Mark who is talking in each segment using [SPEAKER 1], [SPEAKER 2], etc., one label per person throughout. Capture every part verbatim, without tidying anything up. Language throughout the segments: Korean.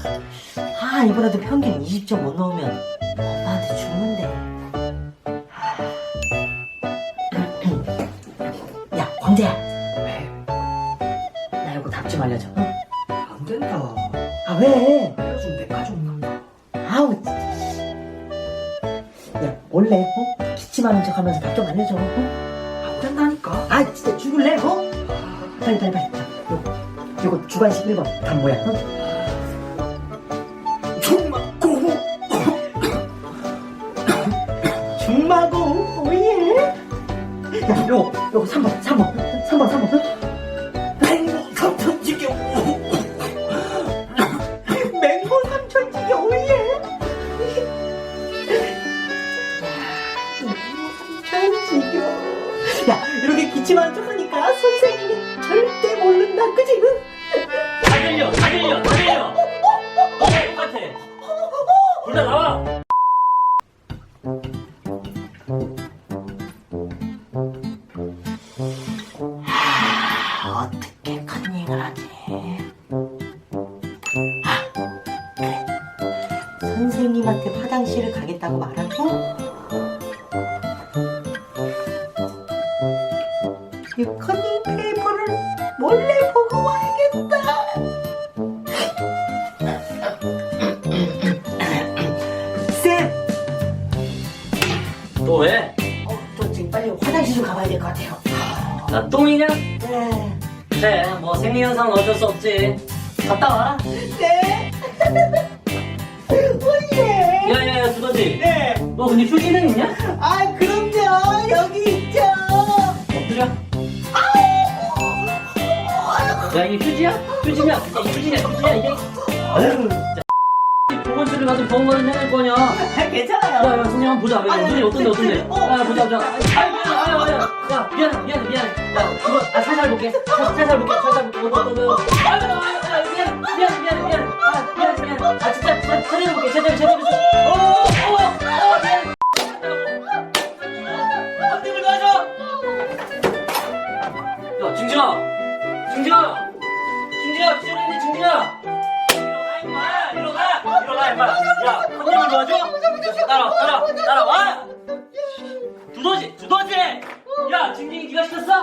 [SPEAKER 1] 아, 이번에도 평균 이십 점 못 넣으면 엄마한테 죽는데. 야, 광재야.
[SPEAKER 2] 왜?
[SPEAKER 1] 나 이거 답 좀 알려줘. 응?
[SPEAKER 2] 안 된다.
[SPEAKER 1] 아, 왜?
[SPEAKER 2] 알려주면 내 가족 난다.
[SPEAKER 1] 아우, 진짜. 야, 원래, 어? 기침하는 척 하면서 답 좀 알려줘. 어?
[SPEAKER 2] 안 된다니까.
[SPEAKER 1] 아, 진짜 죽을래, 어? 빨리, 빨리, 빨리. 자, 요거, 요거 주관식 일 번. 답 뭐야, 어?
[SPEAKER 2] 중마고.
[SPEAKER 1] 중마고, 오예. 야, 요거, 요거 삼 번, 삼 번. 삼 번, 삼 번.
[SPEAKER 2] 맹 삼천지경.
[SPEAKER 1] 맹고 삼천지게, 오예. 삼천지게. 야, 이렇게 기침하는 척 하니까 선생님이 절대 모른다, 그지?
[SPEAKER 3] 다 들려, 다 들려, 다 들려. 어, 똑같아. 둘 다 나와.
[SPEAKER 1] 아, 어떻게 컨닝을 하지? 아, 그래. 선생님한테 화장실을 가겠다고 말하고 이 컨닝 페이퍼를 몰래 보고 와야겠다. 쌤!
[SPEAKER 3] 또 왜?
[SPEAKER 1] 어, 저 지금 빨리 화장실 좀 가봐야 될 것 같아요.
[SPEAKER 3] 나 똥이냐?
[SPEAKER 1] 네.
[SPEAKER 3] 그래, 뭐 생리현상은 어쩔 수 없지. 갔다 와라.
[SPEAKER 1] 네. 오예.
[SPEAKER 3] 야야야, 두더지.
[SPEAKER 1] 네.
[SPEAKER 3] 너 근데 휴지는 있냐?
[SPEAKER 1] 아, 그럼요. 여기 있죠.
[SPEAKER 3] 엎드려. 야, 이게 휴지야? 휴지냐? 이게 휴지냐? 휴지야 이게? 아유, 진짜. 보건실을 가서 병원 가는 해낼 거냐?
[SPEAKER 1] 아, 괜찮아요.
[SPEAKER 3] 야, 야, 선생님 한번 보자. 야,
[SPEAKER 1] 아니,
[SPEAKER 3] 눈이 어떤데, 어떤데?
[SPEAKER 1] 어.
[SPEAKER 3] 야, 보자, 보자. 아, 미안해, 아, 야, 야, 야, 미안해, 미안해, 미안해. 야, 이거, 아, 살살 볼게. 살- 살살 볼게, 살살 볼게. 어떤, 어떤, 어떤. 아, 야, 야, 야, 미안해, 미안해, 미안해, 미안해. 아, 미안해, 미안해. 아, 진짜, 진짜, 제대로 볼게, 제대로, 제대로. 어, 어, 어, 미안해. 선생님을 도와줘! 야, 증진아! 증진아! 증진아, 기절했네, 증진아! 일어나, 임마! 일어나! 일어나, 임마! 야, 선생님을 도와줘? 따라와, 따라와, 따라와! 두더지, 두더지! 야, 징징이 네가 시켰어?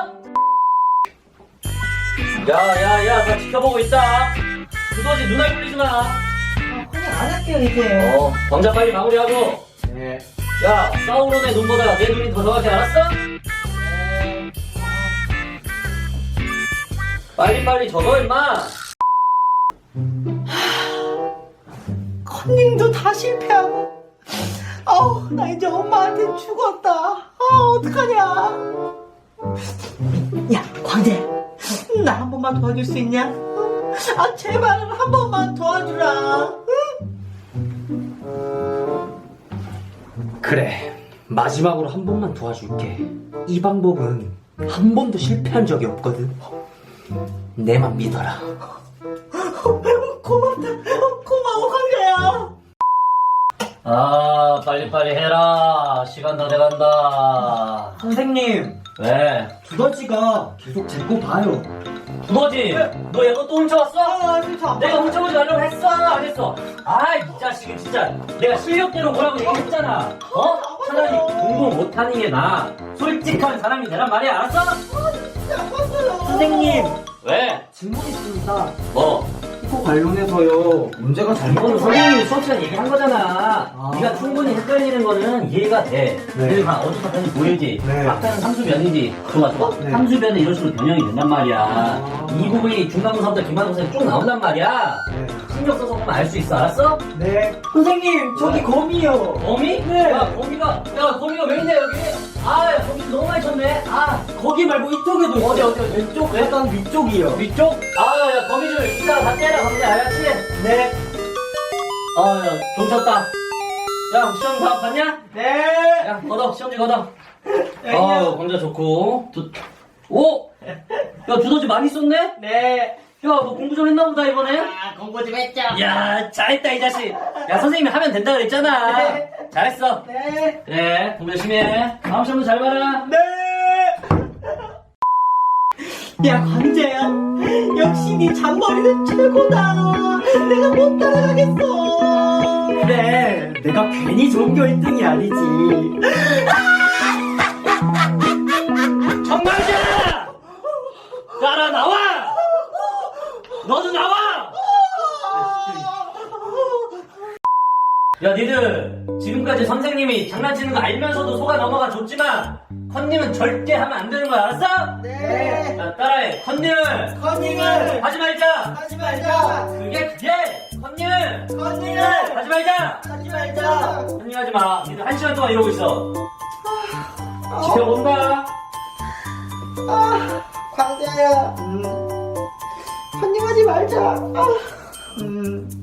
[SPEAKER 3] 야, 야, 야, 다 지켜보고 있다. 두더지 눈알 굴리지 마.
[SPEAKER 1] 아, 그냥 안 할게요, 이제.
[SPEAKER 3] 어, 광자 빨리 마무리하고.
[SPEAKER 2] 네.
[SPEAKER 3] 야, 사우론의 눈보다 내 눈이 더 정확해, 알았어?
[SPEAKER 1] 네.
[SPEAKER 3] 빨리빨리 적어, 임마.
[SPEAKER 1] 컨닝도 다 실패하고. 아우, 나 이제 엄마한테 죽었다. 아, 어떡하냐. 야, 광재. 나 한 번만 도와줄 수 있냐? 어? 아, 제발 한 번만 도와주라.
[SPEAKER 2] 그래. 마지막으로 한 번만 도와줄게. 이 방법은 한 번도 실패한 적이 없거든. 내만 믿어라.
[SPEAKER 1] 고맙다. 어, 고마워, 광재야.
[SPEAKER 3] 아, 빨리빨리 해라. 시간 다 돼간다.
[SPEAKER 2] 선생님,
[SPEAKER 3] 왜?
[SPEAKER 2] 두더지가 계속 제 거 봐요.
[SPEAKER 3] 두더지, 너 얘 거 또 훔쳐왔어?
[SPEAKER 1] 아, 진짜.
[SPEAKER 3] 내가 훔쳐보지 말라고 했어? 안 했어? 아, 이 자식은 진짜. 내가 실력대로 뭐라고 얘기했잖아. 어? 차라리 공부 못하는 게 나아. 솔직한 사람이 되란 말이야, 알았어?
[SPEAKER 2] 선생님,
[SPEAKER 3] 왜?
[SPEAKER 2] 질문 있습니다.
[SPEAKER 3] 뭐?
[SPEAKER 2] 이거 관련해서요. 문제가
[SPEAKER 3] 이거는
[SPEAKER 2] 잘못돼서.
[SPEAKER 3] 선생님이 수업 시간에 얘기한 거잖아.
[SPEAKER 2] 아.
[SPEAKER 3] 네가 충분히 헷갈리는 거는 이해가 돼.
[SPEAKER 2] 네.
[SPEAKER 3] 그리고 다 어디서 봤는지 보이지.
[SPEAKER 2] 네.
[SPEAKER 3] 아까는 삼수변이지. 좋아, 좋아.
[SPEAKER 2] 네.
[SPEAKER 3] 삼수변은 이런 식으로 변형이 된단 말이야.
[SPEAKER 2] 아.
[SPEAKER 3] 이 부분이 중간고사부터 기말고사에 쭉 나온단 말이야.
[SPEAKER 2] 네.
[SPEAKER 3] 신경 써서 보면 알 수 있어, 알았어?
[SPEAKER 2] 네. 선생님, 저기 거미요.
[SPEAKER 3] 거미?
[SPEAKER 2] 네.
[SPEAKER 3] 야, 거미가, 야, 거미가 왜 있냐, 여기? 아, 야, 거미 너무 많이 쳤네. 아, 거기 말고 이쪽에도 있어. 어디, 어디, 어디, 왼쪽? 왜?
[SPEAKER 2] 약간 위쪽이요.
[SPEAKER 3] 위쪽? 아, 야, 거미 줄 이따가 다 때려, 거미, 알았지?
[SPEAKER 2] 네.
[SPEAKER 3] 아, 야, 좀 쳤다. 야, 시험 다 봤냐?
[SPEAKER 2] 네.
[SPEAKER 3] 야, 걷어, 시험지 걷어. 아유, 광자 좋고. 두, 오! 야, 두더지 많이 썼네?
[SPEAKER 1] 네.
[SPEAKER 3] 야, 너 공부 좀 했나 보다, 이번에?
[SPEAKER 1] 아, 공부 좀 했죠?
[SPEAKER 3] 야, 잘했다, 이 자식. 야, 선생님이 하면 된다 그랬잖아.
[SPEAKER 1] 네.
[SPEAKER 3] 잘했어.
[SPEAKER 1] 네.
[SPEAKER 3] 그래, 공부 열심히 해. 다음 시험도 잘 봐라.
[SPEAKER 1] 네. 야, 광재야. 역시 네 잔머리는 최고다. 내가 못 따라가겠어.
[SPEAKER 2] 그래, 내가 괜히 전교 일 등이 아니지.
[SPEAKER 3] 정말이야! 따라 나와! 너도 나와! 야, 니들 지금까지 선생님이 장난치는 거 알면서도 속아 넘어가 줬지만 컨닝은 절대 하면 안 되는 거야, 알았어?
[SPEAKER 1] 네.
[SPEAKER 3] 자, 따라해. 컨닝을
[SPEAKER 1] 컨닝을
[SPEAKER 3] 하지 말자.
[SPEAKER 1] 하지 말자.
[SPEAKER 3] 그게 그게 컨닝을
[SPEAKER 1] 컨닝을
[SPEAKER 3] 하지 말자.
[SPEAKER 1] 하지 말자.
[SPEAKER 3] 컨닝 하지 마. 니들 한 시간 동안 이러고 있어. 집에 온다.
[SPEAKER 1] 아, 광재야. 음. 컨닝하지 말자. 아, 음.